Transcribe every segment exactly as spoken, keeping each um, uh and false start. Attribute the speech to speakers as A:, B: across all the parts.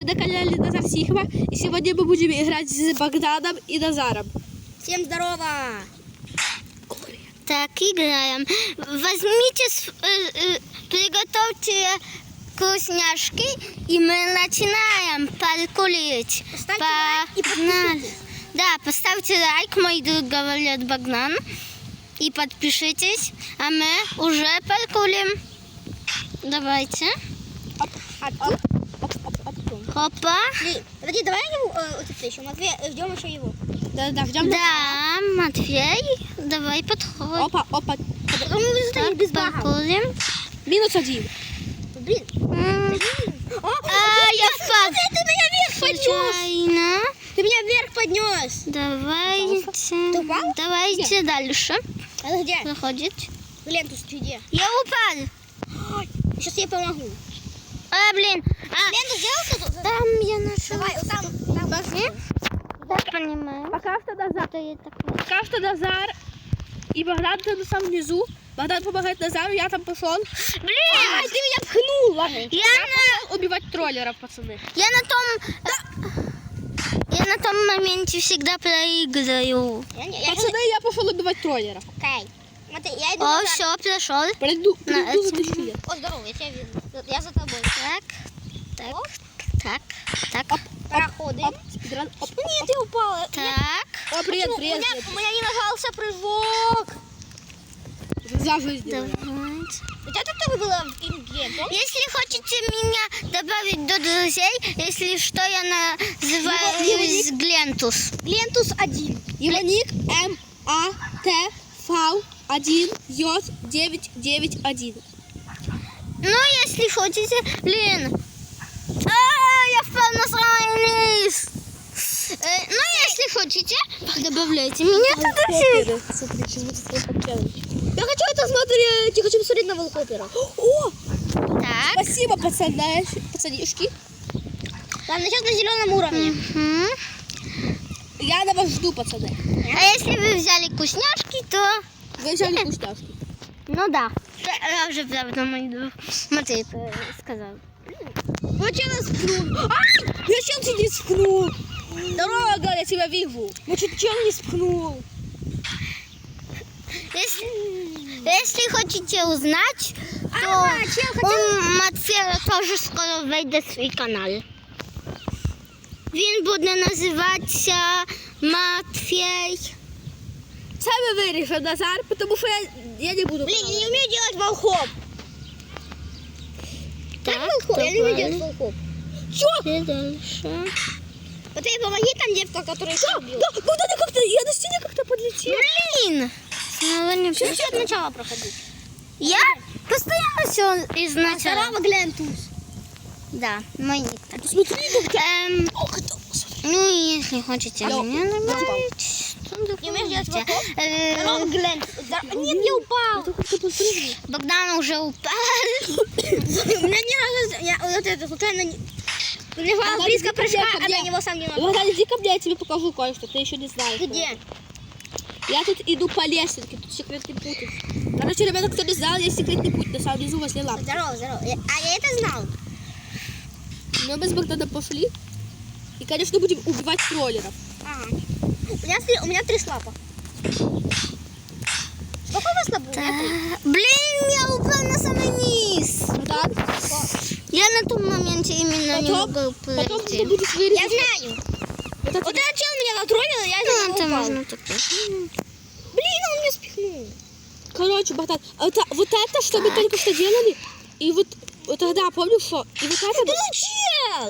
A: на канале Назар Сихова, и сегодня мы будем играть с Богданом и Назаром.
B: Всем здорово!
C: Так, играем. Возьмите, э, э, приготовьте вкусняшки, и мы начинаем паркурить.
B: Поставьте
C: По...
B: лайк и подпишитесь.
C: Да, поставьте лайк, мой друг говорит Богдан, и подпишитесь, а мы уже паркурим. Давайте.
B: Оп, оп, оп, оп, оп, оп.
C: Хопа.
B: Блин, подожди, давай его, э, вот это еще, Матвей, э, ждем еще его.
A: Да-да, ждем.
C: Да, Матвей, давай подходи.
A: Опа, опа.
B: Потом мы выставим без багов.
C: Паркурим.
A: Минус один.
B: Блин,
C: М,
B: блин. О,
C: А, я впал.
B: Ты меня вверх поднес!
C: Случайно.
B: Ты меня вверх поднес!
C: Давайте.
B: упал?
C: Давайте дальше.
B: Это где?
C: Проходит.
B: Лентус, ты где?
C: Я упал.
B: Сейчас я помогу.
C: А, блин. А,
B: Ленту сделал тут?
C: там я нашел.
B: Давай, вот там, там.
C: Так, понимаю.
A: Пока что Назар.
C: Это я такое.
A: Пока что Назар и Богдан там на самом низу. Богдан помогает Назару, я там пошел.
C: Блин.
B: Ай, ты меня пхнул, ладно.
C: Я на,
A: Убивать троллеров, пацаны.
C: я на том... Я на том моменте всегда проиграю.
B: Я, не, я
A: Пацаны, я пошел убивать троллеров.
B: Окей. Смотри, я иду
C: О,
B: назад.
C: все, пришел.
A: Пройду,
C: На
A: пройду за
C: этом.
A: тысячу лет.
B: О, здорово, я тебя вижу. Я за тобой.
C: Так, так, так, так,
B: Проходим.
A: Оп, спидран, оп,
B: Ну нет, ты упала.
C: так.
A: О, привет,
B: Почему?
A: привет.
B: У меня, у меня не нажался прыжок.
A: За жизнь.
C: Давайте.
B: У тебя тут было в игре, помнишь?
C: Если хотите меня добавить до друзей, если что, я называюсь Глентус.
B: Глентус один.
A: Его ник М А Т В один J девять девять один.
C: Ну, если хотите, блин. А, я впал на самый низ. Э, ну, если хотите, добавляйте меня туда.
A: Смотри, сейчас будет такой челлендж.
B: Я хочу это смотреть. Я хочу посмотреть на Волхопера.
A: О,
C: Так.
A: спасибо, пацаны, пацанишки.
B: Там сейчас на зеленом уровне.
C: Мгм.
A: Я на вас жду, пацаны.
C: А если вы взяли вкусняшки, то...
A: Вы взяли вкусняшки.
C: Ну да. Я уже правда мой друг Матвей э, сказал.
B: Ну что нас спнул?
A: Я чем тебя не спхнул? Дорога, я тебя вижу. Ну что, чем не спхнул?
C: Если, если хотите узнать, то
B: Ага, чел хотел-
C: у Матвея тоже скоро вийде свій канал. Він буде називатися Матвей.
A: Сами вырежем, Назар, потому что я, я не буду.
B: Блин, я не умею делать волхоп. Как волхоп? Я не умею делать волхоп.
C: Чё? Дальше.
B: Вот ей помоги там девка, которая еще убила.
A: Да, куда ты как-то, я на стене как-то подлетел.
C: Блин! Снова не
B: Все, все от начала проходить.
C: Я постоянно все изначально.
B: Здорово, Глентус.
C: Да, мой ник так.
A: Смотри, как
C: Эм,
A: О, кто? Смотри.
C: ну, если хотите
A: Я-
C: меня добавить, то
B: Не умеешь делать
C: добавьте.
B: волхоп?
C: Э,
B: Здорово, Глентус. Здорово. Нет, я упал.
A: Это как-то подпрыгнул.
C: Богдан уже упал.
B: У меня ни разу... Я вот это случайно... не- Лежала
A: Богдан,
B: близко
A: иди ко
B: прыжка,
A: мне, ко
B: а до
A: мне.
B: него сам не нажал.
A: Богдан, иди ко мне, я тебе покажу кое-что, ты еще не знаешь.
B: Где?
A: Я тут иду по лесенке, тут секретный путь. Короче, ребята, кто не знал, есть секретный путь, на самом внизу возле лампы.
B: Здорово, здорово. Я- А я это знал.
A: Но мы с Богданом пошли. И, конечно, будем убивать троллеров.
B: Ага. У меня, три- у меня три слапа. Сколько у вас слабов? У меня три.
C: Блин, я упал на самый низ.
A: Богдан,
C: Я на том моменте именно не
A: потом,
C: могу
A: потом ты
C: пройти.
A: будешь
B: Я
A: вырезать.
B: знаю.
A: Вот это-
B: Вот этот чел меня затроллил, и я из-за
C: Ну,
B: него
C: это
B: упал.
C: можно так.
B: Блин, он меня спихнул.
A: Короче, Богдан, это, вот это, что мы только что делали, и вот, вот тогда, помню, что, и вот это...
B: Ну, чел!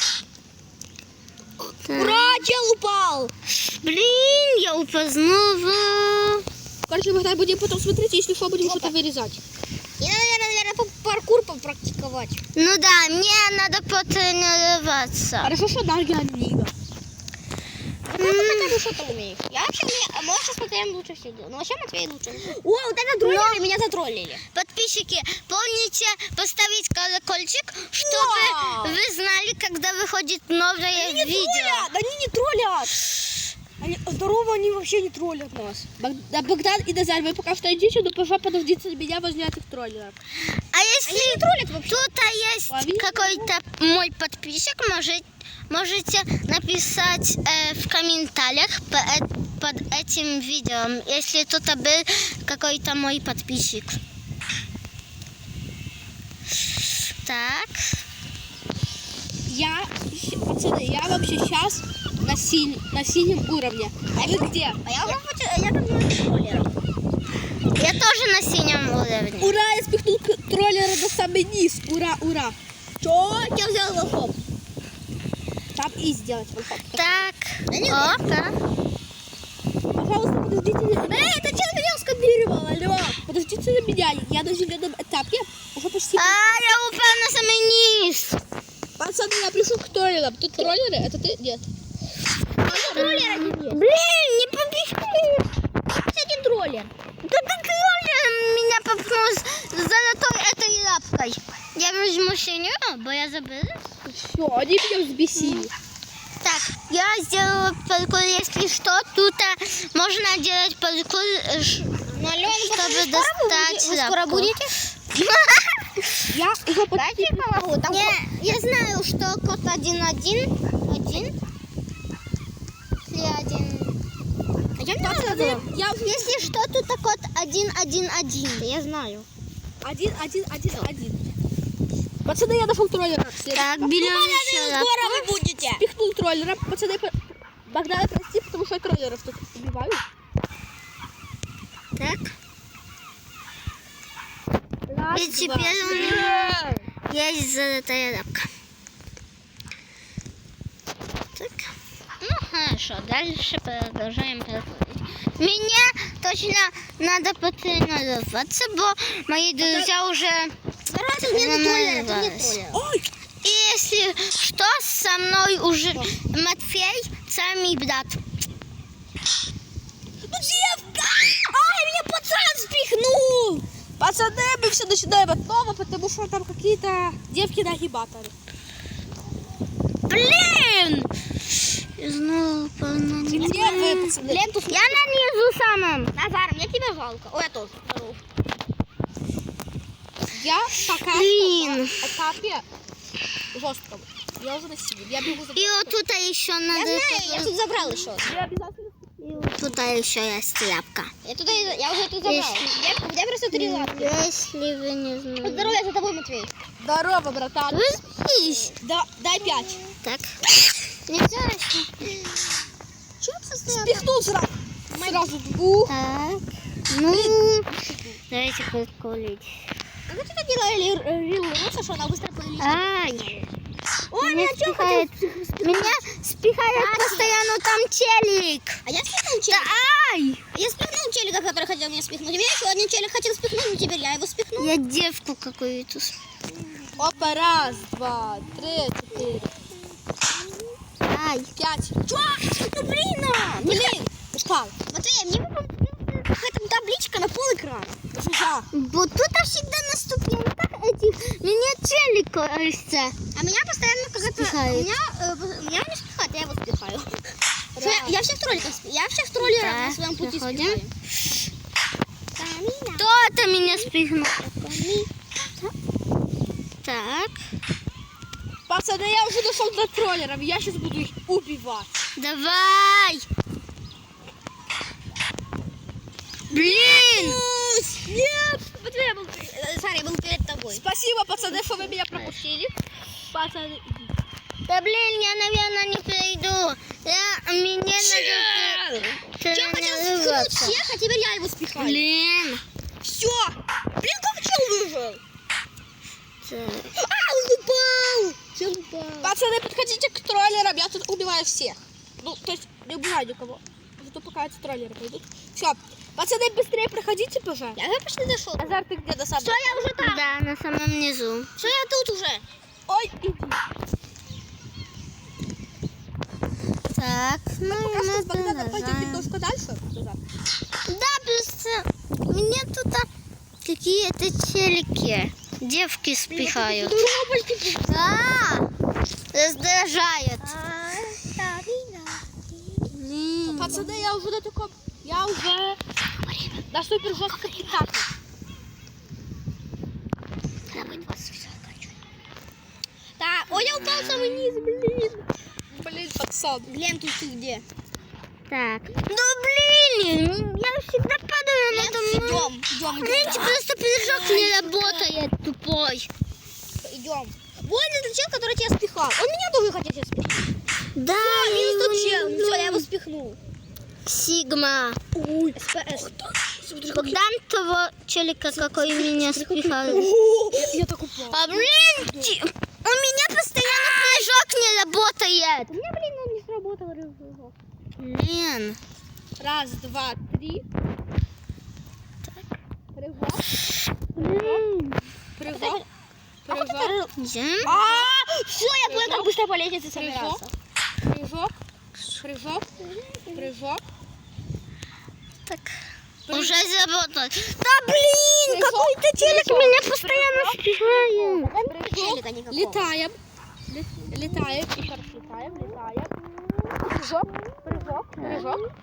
C: Так.
B: Ура, чел упал.
C: Блин, я упал снова.
A: Короче, Богдан, будем потом смотреть, если что, будем что-то вырезать.
B: И надо, наверное, по- паркур попрактиковать.
C: Ну да, мне надо потренироваться.
A: Хорошо, что Дарья Нига.
B: Ну, ты хотя бы что-то умеешь. Я вообще умею, а может, сейчас Матвеем лучше все делаю. Ну, вообще Матвей лучше. О, вот это троллеры меня затроллили.
C: Подписчики, помните поставить колокольчик, чтобы
B: Да.
C: вы знали, когда выходит новое
B: Они не
C: видео.
B: троллят, они не троллят. Они, здорово, они вообще не троллят нас.
A: Бог- Богдан и Назар, вы пока что идите, но пожалуйста, подождите меня возле этих троллеров.
C: А если тут есть
A: Лови.
C: какой-то мой подписчик, может, можете написать э, в комментариях по э- под этим видео, если тут был какой-то мой подписчик. Так.
A: Я, щ- пацаны, я вообще сейчас на, синь- на синем уровне. А вы где?
B: А я уже хочу, я там не троллеров.
C: Я тоже на синем уровне.
A: Ура, я спихнул к- троллера до самый низ. Ура, ура.
B: Чё? Я взял волхов.
A: Там и сделать волхов.
C: Так. О, да.
A: Пожалуйста, подождите. Эй, это чел меня скопировал, алло. Подождите на меня, я на зеленом этапе уже почти...
C: А, я упал на самый низ.
A: Пацаны, я пришел к троллерам. Тут троллеры, это ты? Нет.
B: Троллера не нет.
C: Блин, не побежишь.
B: Один троллер.
C: Да ты троллер меня попнул с золотой этой лапкой. Я возьму синюю, бо я забыла.
A: Все, они меня взбесили.
C: Так, я сделала паркур, если что, тут а, можно делать паркур, э, ш-
B: Ну, Алена,
C: чтобы достать
B: вы скоро
C: лапку.
B: будете?
A: Я уже почти...
B: Дайте я помогу. Там
C: Я,
B: код-
C: я знаю, что код один один один. Если один.
B: А я не
A: Пацаны,
B: знаю.
A: я уже...
C: Если что, тут код один один один.
B: Я знаю.
A: Один, один, один, один. Пацаны, я нашел троллера.
C: Так, берем еще лапку.
B: Скоро вы будете.
A: Спихнул троллера. Пацаны, по- Богдана, прости, потому что я троллеров тут убиваю.
C: Так,
A: Раз,
C: и
A: два,
C: теперь у
A: три.
C: меня есть золотая лапка. Так, ну хорошо, дальше продолжаем проходить. Мне точно надо потренироваться, бо мои друзья уже
B: Здравствуйте, тут нет троллера, тут нет
C: тренировались.
B: троллера.
A: Ой,
C: И если что, со мной уже Матфей, самый брат.
A: ну девка! Ай, меня пацан спихнул! Пацаны, мы все начинаем от нового, потому что там какие-то девки-нагибаторы.
C: Блин! Я снова упал на
A: Где
C: низ.
A: вы, пацаны?
B: Ленту с...
C: Я на низу самом.
B: Назар, мне тебя жалко. Ой, я тоже. Здорово.
A: Я пока
C: Блин.
A: что на этапе жестком. Я уже на синем. Я бегу за...
C: И вот тут еще
B: Я
C: надо...
B: знаю, я тут забрал еще.
A: Я обязательно...
C: И вот тут еще есть лапка.
B: Я туда, я уже тут забрал. Я, у меня просто три лапки.
C: Если вы не знаете.
B: Здоровья за тобой, Матвей.
A: Здорово, братан.
C: Выспись.
A: Да, дай пять.
C: Так. Нельзя еще.
B: Чего постоянно?
A: Спихнул сразу. Сразу двух.
C: Так. Ну, давайте подколить.
B: Как вы это делали, Рил Руса, что она быстро полилась?
C: Ай.
B: Ой,
C: Меня
B: меня что
C: спихает, меня спихает постоянно там телек.
B: А я спихнул
C: Да
B: челика.
C: ай!
B: Я спихнул челика, который хотел меня спихнуть. Меня еще один челик хотел спихнуть, но теперь я его спихнул.
C: Я девку какую-то. с-
A: Опа, раз, два, три, четыре,
C: Ай.
A: пять.
B: Чё? Ну блин, а!
A: Блин, упал.
B: Матвей, мне выпала какая-то табличка на пол экрана.
A: Жужа.
C: Вот тут всегда на ступеньках этих меня телек кажется.
B: А меня постоянно какая-то...
C: Спихает.
B: Меня, э, меня не спихает, я его спихаю. Я, я всех троллеров, спи- я всех троллеров
C: Так,
B: на своем пути
C: заходим.
B: спихаю. Камина.
C: Кто-то меня спихнул. Так,
A: Пацаны, я уже дошел до троллеров. Я сейчас буду их убивать.
C: давай. Блин!
A: Нет.
B: Матвей, я был, э, Сара, я был перед тобой.
A: Спасибо, пацаны, что вы меня пропустили. Пацаны,
C: Да блин, я, наверное, не пройду. Я, мне надо
B: Чел хотел спихнуть
C: тренироваться.
B: всех, а теперь я его спихаю.
C: Блин.
B: Все. Блин, как чел выжил?
C: Так.
B: А, он упал. Чел упал.
A: пацаны, подходите к троллерам. Я тут убиваю всех. Ну, то есть не убиваю никого. Зато пока эти троллеры пойдут. Все. Пацаны, быстрее проходите, пожалуйста.
B: Я уже почти дошел.
A: Азар, ты где до самого?
B: Все, я уже там.
C: Да, на самом низу.
B: Все, я тут уже.
A: Ой, иди.
C: Так, ну
A: Пока
C: и
A: что
C: мы
A: с Богданом пойдем
C: продолжаем.
A: немножко дальше. Азар.
C: Да, просто мне тут а, какие-то телеки. Девки спихают. А, раздражает. Блин.
A: Пацаны, я уже на таком... Я уже на супер жестком этапе.
B: Так, ой, я упал в самый низ, блин.
A: Блин, пацан.
B: Глен, тут ты где?
C: Так. Ну блин, я всегда падаю на этом.
B: Идем, идем,
C: Видите,
B: идем.
C: просто прыжок не работает, тупой.
B: Идем. Вон этот чел, который тебя спихал. Он меня тоже хотел сейчас спихнуть.
C: Да,
B: Минус тот чел.
C: ну,
B: Все, я его спихнул.
C: Сигма.
B: Ой, СПС.
C: Богдан того челика, какой меня спихал.
A: Я, я так упал.
C: А блин, ти- у меня постоянно прыжок не работает.
B: У меня, блин, он не сработал рывок.
C: Блин.
A: Раз, два, три. Прыжок.
C: Блин.
A: Прыжок. Прыжок.
C: Зем.
B: А, все, я понял, как быстро по лестнице собирался.
A: Прыжок. Прыжок. Прыжок.
C: Так.
A: Прыжок.
C: Уже заработал. Да блин,
A: Прыжок.
C: какой-то челик
A: Прыжок.
C: меня постоянно спихает.
B: Челика никакого.
A: Летаем. Лет- Летаем. И хорошо летаем. Летаем. Прыжок. Прыжок. Прыжок.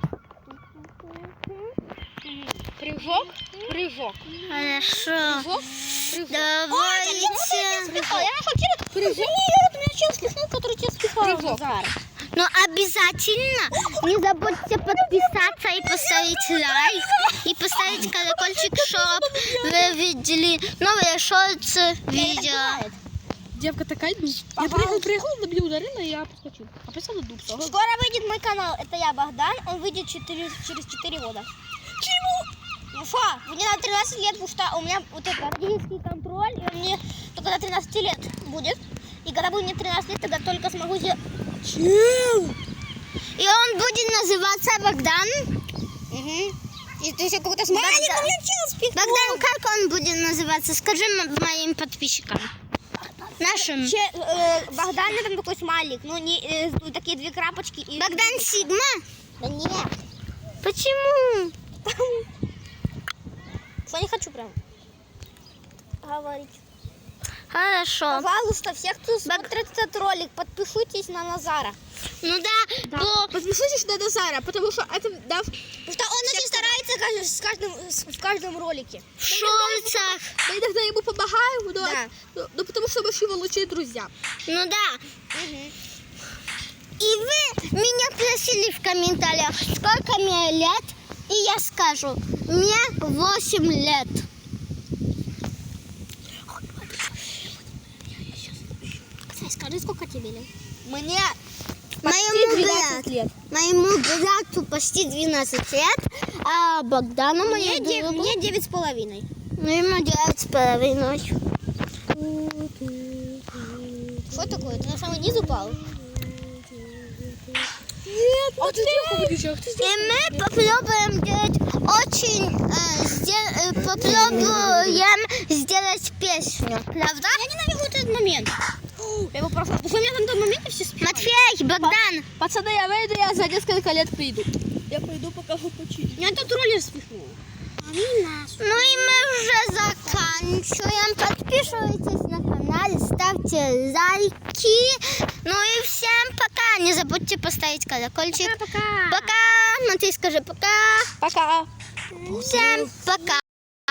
A: Прыжок. Прыжок.
C: Хорошо.
A: Прыжок. Прыжок.
C: Давайте.
B: Спихал. Я нашел челика.
A: Прыжок.
B: Нет, меня чел спихнул, который тебя спихал.
A: Прыжок.
B: Назар.
C: Но обязательно не забудьте подписаться и поставить лайк. И поставить колокольчик, чтобы вы видели новые шорты видео.
A: Девка такая, ну, я прыгал, прыгал, на меня ударила, и я подскочил. А потом надулся. Ага.
B: Скоро выйдет мой канал. Это я, Богдан. Он выйдет четыре, через четыре года. Чему? Ну что, мне на тринадцать лет, потому что у меня вот это родительский контроль, и он мне только до тринадцати лет будет. И когда будет мне тринадцать лет, тогда только смогу сделать...
C: И он будет называться Богдан.
B: Угу. И ты еще какой-то смайлик
C: Богдан.
B: на меня чел спихнул.
C: Богдан, как он будет называться? Скажи м- моим подписчикам. Нашим.
B: Че, э, Богдан, там такой смайлик. Ну, не, э, ну, такие две крапочки. И...
C: Богдан Сигма?
B: Да нет.
C: Почему?
B: Что не хочу прям говорить.
C: Хорошо.
B: Пожалуйста, все, кто смотрит этот ролик, подпишитесь на Назара.
C: Ну да,
A: Да.
C: то
A: Подпишитесь на Назара, потому что это да,
B: Потому что он очень старается каждый- с каждым, с- в каждом ролике.
C: в шорцах.
A: мы иногда ему помогаем, но,
B: Да.
A: но- но потому что мы его лучшие друзья.
C: Ну да.
B: Угу.
C: И вы меня просили в комментариях, сколько мне лет, и я скажу, мне восемь лет.
B: Скажи, сколько тебе лет?
A: Мне
C: Моему
A: двенадцать
C: брату,
A: лет.
C: моему брату почти двенадцать лет, а Богдану
B: Мне,
C: моему
B: де-
C: другу,
B: мне девять с половиной.
C: ну, ему девять с половиной.
B: Что такое? Ты на самый низ упал?
A: Нет, а ты сделал?
C: И мы попробуем делать очень, э, сде- э, попробуем сделать песню, правда?
B: Я ненавижу этот момент. Я его просто... Потому что у меня там в том моменте все спят.
C: Матфей, Богдан,
A: Пацаны, я выйду, я за несколько лет приду. Я пойду, пока вы почили.
B: Меня тут роллер спихнул.
C: ну и мы уже заканчиваем. Подписывайтесь на канал, ставьте лайки. Ну и всем пока. Не забудьте поставить колокольчик.
B: Пока.
C: Пока. Матвей, скажи пока.
A: Пока.
C: Всем пока.